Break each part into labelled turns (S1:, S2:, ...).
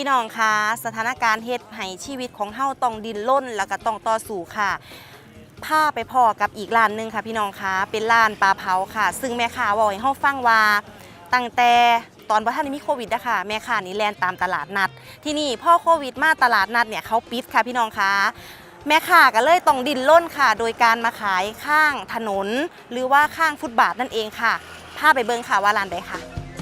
S1: น้องคะสถานการณ์เฮ็ดให้ชีวิตของเฮาต้องดิ้นรนแล้วก็ต้องต่อสู้ค่ะพาไปพ่อกับอีกร้านหนึงค่ะพี่น้องคะเป็นร้านปลาเผาค่ะซึ่งแม่ค้าบอกให้เฮาฟังว่าตั้งแต่ตอนบ่ทันได้มีโควิดนะคะแม่ค้านี่แล่นตามตลาดนัดที่นี่พ่อโควิดมาตลาดนัดเนี่ยเขาปิดค่ะพี่น้องคะแม่ค้าก็เลยต้องดิ้นรนค่ะโดยการมาขายข้างถนนหรือว่าข้างฟุตบาทนั่นเองค่ะพาไปเบิ่งค่ะว่าร้านใดค่ะ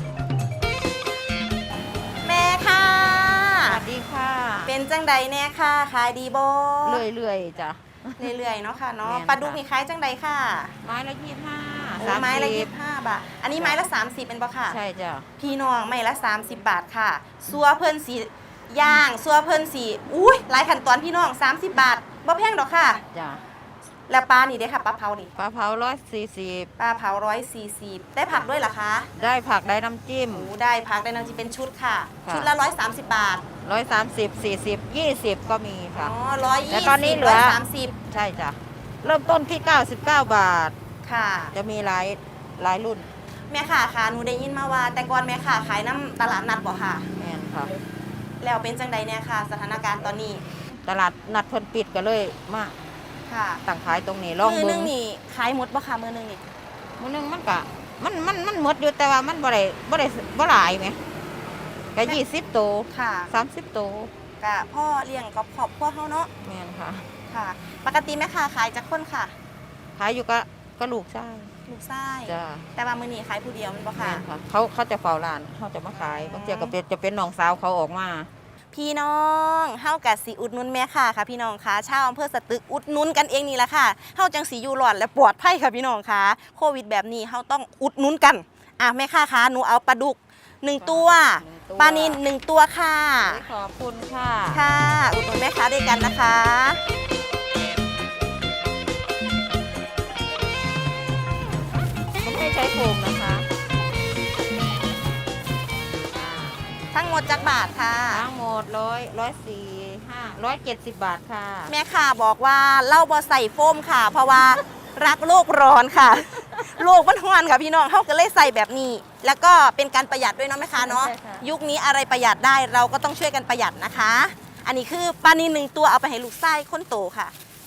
S1: แม่ค่ะ
S2: สวัสดีค่ะ
S1: เป็นจังใดแน่ค่ะขายดีบ่
S2: เรื่อยๆจ้ะ
S1: เรื่อยๆเนาะค่ะเนาะ
S2: แม่นค่ะ
S1: ปลาดุกนี่ขายจังใดค่ะ
S2: ไม้ละ25
S1: โอ้ไม้ละ25 บาทอันนี้ไม้ละ30เป็นบ่ค่ะ
S2: ใช่จ้ะ
S1: พี่น้องไม้ละ30 บาทค่ะซัวเพิ่นสีย่างซัวเพิ่นสีอุ้ยหลายขั้นตอนพี่น้อง30 บาทบ่แพงดอกค่ะ
S2: จ้ะ
S1: แล้วปลานี่เด้ค่ะปลาเผานี่
S2: ปลาเผา140
S1: ปลาเผา140ได้ผักด้วยเหรอคะ
S2: ได้ผักได้น้ำจิ้ม
S1: โอ้ได้ผักได้น้ำจิ้มเป็นชุดค่ะ
S2: ค่ะ
S1: ชุดละ130 บาท
S2: 130 40 20 ก็มีค่ะ
S1: อ๋อ
S2: แต่ตอนนี้เหลือ
S1: 130
S2: ใช่จ้ะเริ่มต้นที่99 บาท
S1: ค่ะ
S2: จะมีหลายรุ่น
S1: แม่ค่ะค่ะหนูได้ยินมาว่าแต่ก่อนแม่ค่ะขายน้ำตลาดนัดบ่ค่ะ
S2: แม่นค่ะ
S1: แล้วเป็นจังใดเนี่ยค่ะ สถานการณ์ตอนนี้
S2: ตลาดนัดเพิ่นปิดก็เลยมา
S1: ค่ะ
S2: ตั้งขายตรงนี้ลอง
S1: มือ
S2: เบิ่
S1: นึ
S2: ง
S1: งนี่ขายหมดบ่ค่ะมือนึงนี่
S2: มื้อนึงมันก็มันหมดอยู่แต่ว่ามันบ่หลายแหมก็20โตว
S1: ค่ะ
S2: 30โตว
S1: กะพ่อเลี้ยงกับครอบครัวเฮาเนาะ
S2: แม่นค่ะ
S1: ค่ะ ปกติแม่ค่ะขายจักคนค่ะ
S2: ขายอยู่ก็ลูกชาย
S1: ลูกชาย
S2: จ้า
S1: แต่ว่ามื้อนี้ขายผู้เดียวแมันบ่ค่ะ
S2: แม่นค่ะเขาจะเฝ้าร้านเขาจะมาขายบางทีก็จะเป็นน้องสาวเขาออกมา
S1: พี่น้องเฮากะสิอุดหนุนแม่ค่ะค่ะพี่น้องค่ะชาวอำเภอสตึกอุดหนุนกันเองนี่แหละค่ะเฮาจังสิอยู่รอดและปลอดภัยค่ะพี่น้องค่ะโควิดแบบนี้เฮาต้องอุดหนุนกันแม่ค่ะคะหนูเอาปลาดุก1 ตัวปลานิล1 ตัวค่ะ
S2: ขอบคุณค่ะ
S1: ค่ะ อุดหนุนแม่ค้าด้วยกันนะคะ
S2: ไม่ให้ใช้โฟมนะคะ
S1: ทั้งหมดจักบาทค่ะ
S2: ทั้งหมด170 บาทค่ะ
S1: แม่ค่ะบอกว่าเล่าบ่ใส่โฟมค่ะ เพราะว่ารักโลกร้อนค่ะ โลกมันร้อนค่ะพี่น้องเขาก็เลยใส่แบบนี้ แล้วก็เป็นการประหยัดด้วยเนาะแม่ค้าเนาะ
S2: ใช่ค่ะ
S1: ยุคนี้อะไรประหยัดได้เราก็ต้องช่วยกันประหยัดนะคะ อันนี้คือปลานิล1 ตัวเอาไปให้ลูกไส้คนโตค่ะ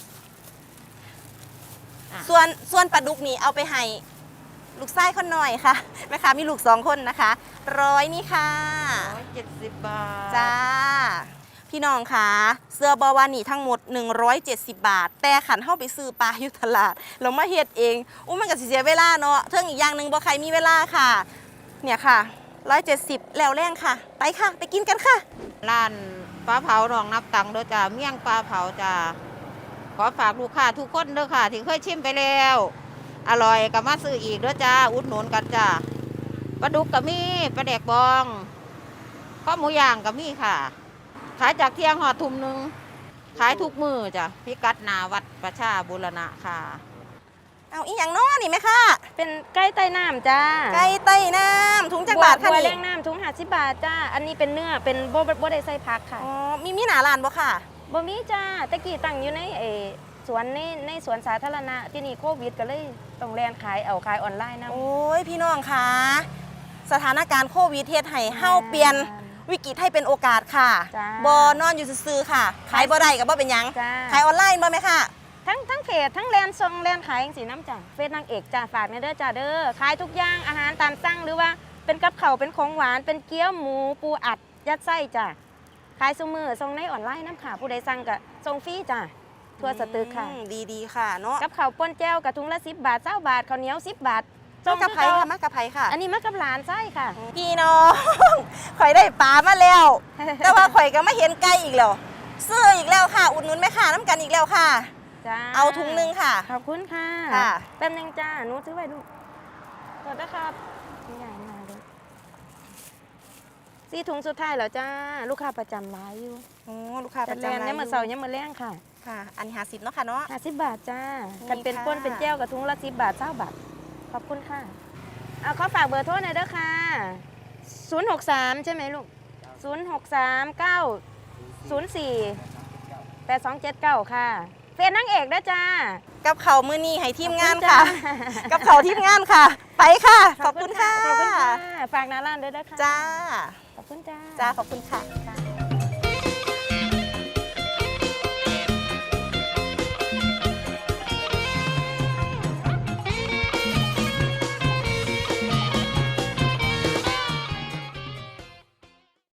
S1: ส่วนปลาดุกนี่เอาไปให้ลูกไส้คนหน่อยค่ะแม่ค้ามีลูก2 คนนะคะ100นี่ค่ะ
S2: 170 บาท
S1: จ้าพี่น้องคะเสื้อบอวานี่ทั้งหมด170 บาท แต่ขันเข้าไปซื้อปลาอยู่ตลาดเรามาเฮ็ดเองมันก็สิเสียเวลาเนาะเทิงอีกอย่างหนึ่งบ่ใครมีเวลาค่ะ เนี่ยค่ะ170แล้วแรงค่ะ ไปค่ะ ไปกินกันค่ะ
S2: ร้านปลาเผาหนองนับตังเด้อจ้าเมี่ยงปลาเผาจ้าขอฝากลูกค้าทุกคนเด้อค่ะที่เคยชิมไปแล้วอร่อยก็มาซื้ออีกเด้อจ้าอุดหนุนกันจ้าปลาดุกก็มีปลาแดกบองข้าวหมูย่างก็มีค่ะ ขายจากเที่ยงหอดทุ่มหนึงขายทุกมือจ้ะพิกัดหนาวัดประชาบูรณะค่ะ
S1: เอาอีหยังเนาะนี่ไหมค่ะ
S3: เป็นไก่ใต้น้ำจ้า
S1: ไก่ใต้น้ำถุงจักบาทค่ะ
S3: บัว
S1: นี่
S3: แรงน้ำถุง50 บาทจ้า อันนี้เป็นเนื้อ เป็นบ่ได้ใส่ผักค่ะ
S1: อ๋อมีหนาร้านบ่ค่ะ
S3: บ่มีจ้าตะกี้ตั้งอยู่ในสวนในสวนสาธารณะที่นี่โควิดก็เลยต้องแลนขายขายออนไลน์นะ
S1: โอ้ยพี่น้องคะสถานการณ์โควิดเฮ็ดให้เฮาเปลี่ยนวิกฤตให้เป็นโอกาสค่ะ
S3: จ้า
S1: บ่นอนอยู่ซื่อๆค่ะ ขายบ่ได้ก็บ่เป็นหยัง
S3: จ้า
S1: ขายออนไลน์บ่แม่ค่ะ
S3: ทั้งเพจทั้งแลนซองแลนขายจังสีน้ำจ้าเฟซนางเอกจ้าฝากในเด้อจ้าเด้อขายทุกอย่างอาหารตามสั่งหรือว่าเป็นกับข้าวเป็นของหวานเป็นเกี๊ยวหมูปูอัดยัดไส้จ้าขายซุมือส่งในออนไลน์น้ำค่ะผู้ใดสั่งก็ส่งฟรีจ้าทั่วสตึกค่ะ
S1: ดีๆค่ะเนาะ
S3: กับข้าวป่นแจ้วกับถุงละ10 บาท20 บาทข้าวเหนียว10 บาท
S1: มากระไผค่ะมากระไผค่ะ
S3: อันนี้มากับหลานไส้ค่ะ
S1: พี่น้องข่อยได้ปลามาแล้ว แต่ว่าข่อยก็ไม่เห็นไก่อีกแล้วซื้ออีกแล้วค่ะ อุดหนุนแม่ค้าน้ำกันอีกแล้วค่ะ
S3: จ้า
S1: เอาถุงนึงค่ะ
S3: ขอบคุณค่ะ
S1: ค่ะ
S3: แป๊บนึงจ้าหนูซื้อไว้ลูกขอนะครับนี่ใหญ่มาเลย4 ถุงสุดท้ายแล้วจ้าลูกค้าประจำร้ายอยู่
S1: โอ้ลูกค้าป
S3: แต่
S1: ระ
S3: แล
S1: จำ
S3: น
S1: ร้าน
S3: เนี่ยาม
S1: อ
S3: มื้อเสาร์เนี่ยามมื้อแรงค่ะ
S1: ค่ะ อันนี้50เนาะค่ะเนาะ
S3: 50 บาทจ้า
S1: นี่
S3: กันเป็น
S1: ค่ะ
S3: ป่นเป็นแจ้วกับถุงละ10 บาท20 บาทขอบคุณค่ะเอาขอฝากเบอร์โทรหน่อยเด้อค่ะ063ใช่ไหมลูก063 904 8279ค่ะเฟซนางเอกนะจ้า
S1: กับเขาวมื้อนี้ให้ทีมงาน
S3: ขอบณ
S1: ค่ะ
S3: จ้า
S1: กับเขาวทีมงานค่ะ ไปค่ะ ขอบคุณค่ะ
S3: ขอบคุณค่ะ ฝากหน้าร้านด้วยนะคะ
S1: จ้า
S3: ขอบคุณจ้า
S1: จ้า ขอบคุณค่ะ
S3: ค่ะ